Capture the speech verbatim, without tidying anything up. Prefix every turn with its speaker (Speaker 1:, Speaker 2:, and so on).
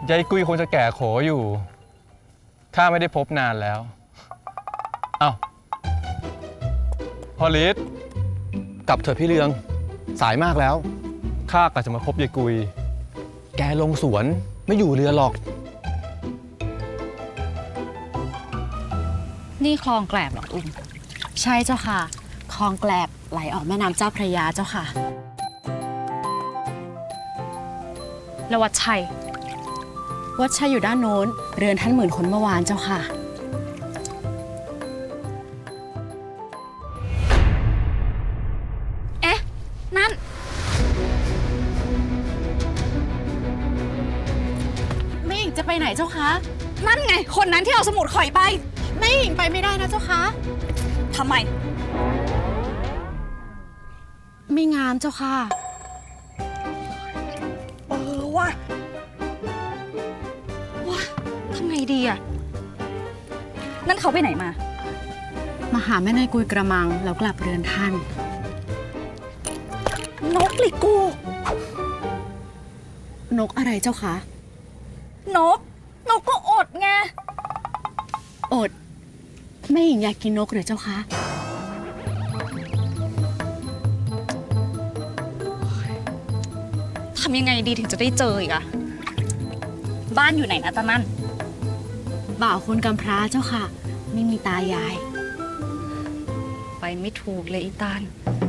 Speaker 1: ยายกุยคงจะแก่โขอยู่ข้าไม่ได้พบนานแล้วเอ้าพอลิศกลับเถอะพี่เรืองสายมากแล้วข้ากะจะมาพบยายกุยแกลงสวนไม่อยู่เรือหรอก
Speaker 2: นี่คลองแกลบเหรออุ้ม
Speaker 3: ใช่เจ้าค่ะคลองแกลบไหลออกแม่น้ำเจ้าพระยาเจ้าค่ะ
Speaker 2: แล้ววัดชัย
Speaker 3: วัดชัยอยู่ด้านโน้นเรือนท่านหมื่นคนเมื่อวานเจ้าค่ะ
Speaker 2: เอ๊ะนั่น
Speaker 3: แม่หญิงจะไปไหนเจ้าคะ
Speaker 2: นั่นไงคนนั้นที่เอาสมุดข่อยไป
Speaker 3: แม่หญิงไปไม่ได้นะเจ้าคะ
Speaker 2: ทำไม
Speaker 3: ไม่งามเจ้าค่ะ
Speaker 2: เออว่ะว่ะทำไงดีอะนั่นเขาไปไหนมา
Speaker 3: มาหาแม่นายกุยกระมังแล้วกลับเรือนท่าน
Speaker 2: นกลิกู
Speaker 3: นกอะไรเจ้าคะ
Speaker 2: นกนกก็อดไง
Speaker 3: อดแม่หญิงอยากกินนกหรือเจ้าคะ
Speaker 2: ทำยังไงดีถึงจะได้เจออีกอะบ้านอยู่ไหนนะตานั่น
Speaker 3: บ่าวคนกำพร้าเจ้าค่ะไม่มีตายาย
Speaker 2: ไปไม่ถูกเลยอีตาล